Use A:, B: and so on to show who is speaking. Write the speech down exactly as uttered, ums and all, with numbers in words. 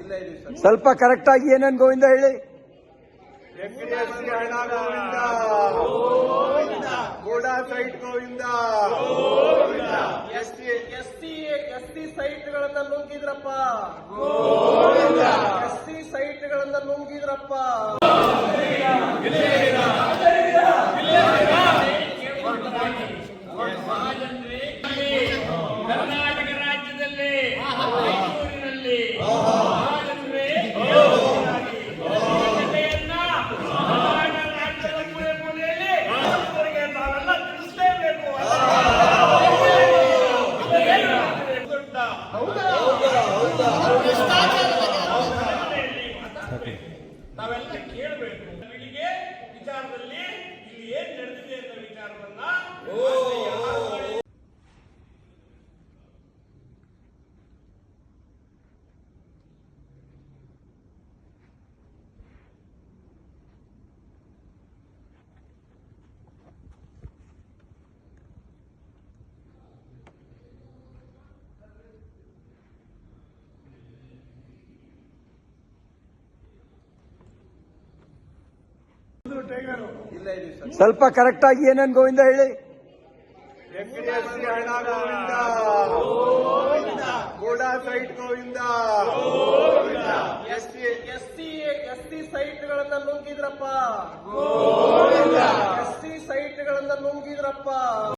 A: ಸ್ವಲ್ಪ ಕರೆಕ್ಟ್ ಆಗಿ ಏನೇನು ಗೋವಿಂದ ಹೇಳಿ.
B: ಹಣ ಗೋವಿಂದ, ಗೋಡಾ site Govinda, S C S C S C ಸೈಟ್ಗಳನ್ನ ನುಂಗಿದ್ರಪ್ಪ, ಎಸ್ ಸಿ ಸೈಟ್ಗಳನ್ನ ನುಂಗಿದ್ರಪ್ಪ.
C: ಕರ್ನಾಟಕ ರಾಜ್ಯದಲ್ಲಿ ಮೈಸೂರಿನಲ್ಲಿ ನಾವೆಲ್ಲ ತಿಳಿಸಲೇಬೇಕು. ನಾವೆಲ್ಲ ಕೇಳಬೇಕು ಇಲ್ಲಿಗೆ ವಿಚಾರದಲ್ಲಿ ಇಲ್ಲಿ ಏನ್ ನಡೆದಿದೆ ಅಂತ ವಿಚಾರವನ್ನ.
A: ಸ್ವಲ್ಪ ಕರೆಕ್ಟ್ ಆಗಿ ಏನೇನು ಗೋವಿಂದ ಹೇಳಿ.
B: ಹಣ ಗೋವಿಂದ, ಗೋಡಾ site Govinda, S C S C S C ಸೈಟ್ಗಳನ್ನ ನುಂಗಿದ್ರಪ್ಪ, ಎಸ್ ಸಿ ಸೈಟ್ಗಳನ್ನ ನುಂಗಿದ್ರಪ್ಪ.